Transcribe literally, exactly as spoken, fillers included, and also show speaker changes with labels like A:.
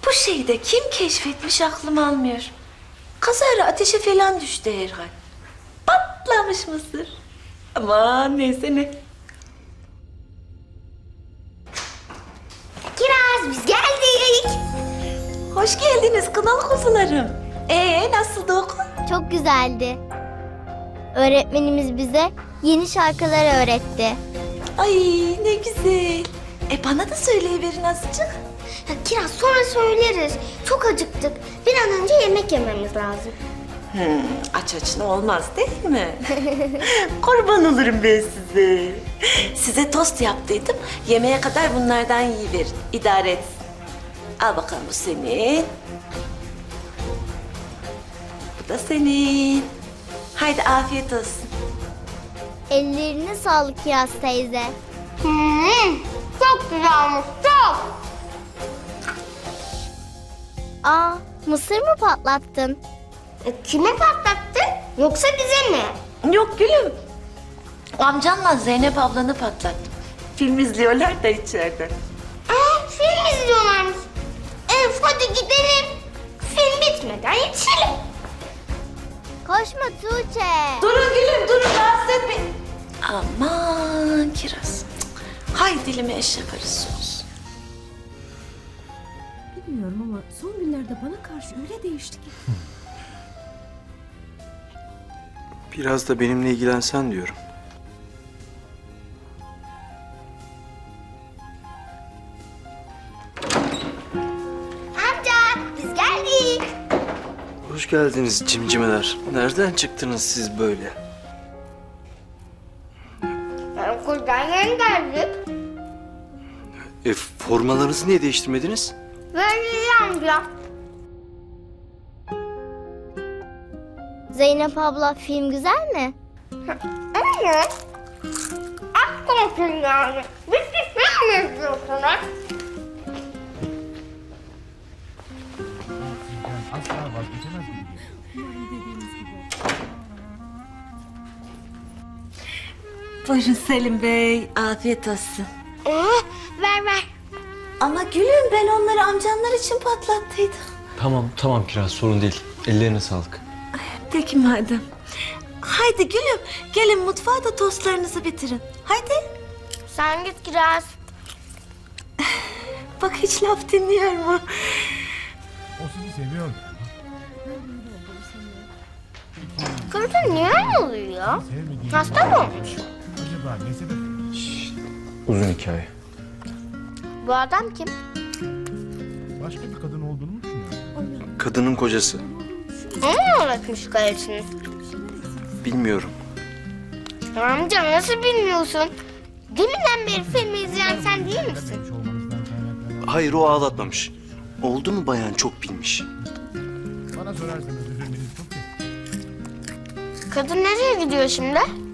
A: Bu şeyi de kim keşfetmiş aklım almıyor. Kazara ateşe falan düştü herhal. Patlamış mısır. Aman neyse ne.
B: Kiraz biz geldik.
A: Hoş geldiniz kınalı kuzularım. Ee nasıldı okul?
B: Çok güzeldi. Öğretmenimiz bize yeni şarkılar öğretti.
A: Ay ne güzel. E bana da söyleyiverin azıcık.
B: Ya Kiraz sonra söyleriz. Çok acıktık. Bir an önce yemek yememiz lazım.
A: Hmm, aç açına olmaz değil mi? Kurban olurum ben size. Size tost yaptıydım. Yemeğe kadar bunlardan yiyiverin. İdare etsin. Al bakalım bu senin. Bu da senin. Haydi afiyet olsun.
B: Ellerine sağlık Kiraz teyze. Hmm, çok güzelmiş, çok. Aa, mısır mı patlattın? E, kime patlattın? Yoksa bize mi?
A: Yok gülüm. Amcanla Zeynep ablanı patlattım. Film izliyorlar da içeride.
B: Aa, film izliyorlarmış. Elif hadi gidelim. Film bitmeden yetişelim. Koşma Tuğçe.
A: Durun gülüm durun rahatsız etmeyin. Aman Kiraz. Hay dilime eşek arısı olsun.
C: Bilmiyorum ama son günlerde bana karşı öyle değişti ki.
D: Biraz da benimle ilgilensen diyorum.
B: Amca biz geldik.
D: Hoş geldiniz cimcimeler. Nereden çıktınız siz böyle?
B: Okuldan yeni geldik.
D: E, formalarınızı niye değiştirmediniz?
B: Böyle amca. Zeynep abla film güzel mi? Evet. Aşk olsun yani. Biz de film mi izliyorsunuz?
E: Asla vazgeçemez gibi.
A: Buyurun Selim Bey. Afiyet olsun.
B: Ee, ver ver.
A: Ama gülüm ben onları amcanlar için patlattıydım.
F: Tamam tamam Kiraz sorun değil. Ellerine sağlık.
A: Peki madem. Haydi gülüm gelin mutfağa da tostlarınızı bitirin. Haydi.
B: Sen git Kiraz.
A: Bak hiç laf dinliyor mu?
E: O sizi seviyor.
B: Kızım niye oluyor?
E: Sevmediğini
B: Hasta mı olmuş?
E: acaba ne sebep?
F: Uzun hikaye.
B: Bu adam kim?
E: Başka bir kadın olduğunu mu düşünüyor?
D: Kadının kocası.
B: O mu öğretmiş kalesini?
D: Bilmiyorum.
B: Amca nasıl bilmiyorsun? Deminden beri filmi izleyen sen değil misin?
E: Sevmiş olmanızdan kaynaklanan.
D: Hayır o ağlatmamış. Oldu mu bayan çok bilmiş.
E: Bana sorarsanız üzülmeniz çok kötü.
B: Kadın nereye gidiyor şimdi?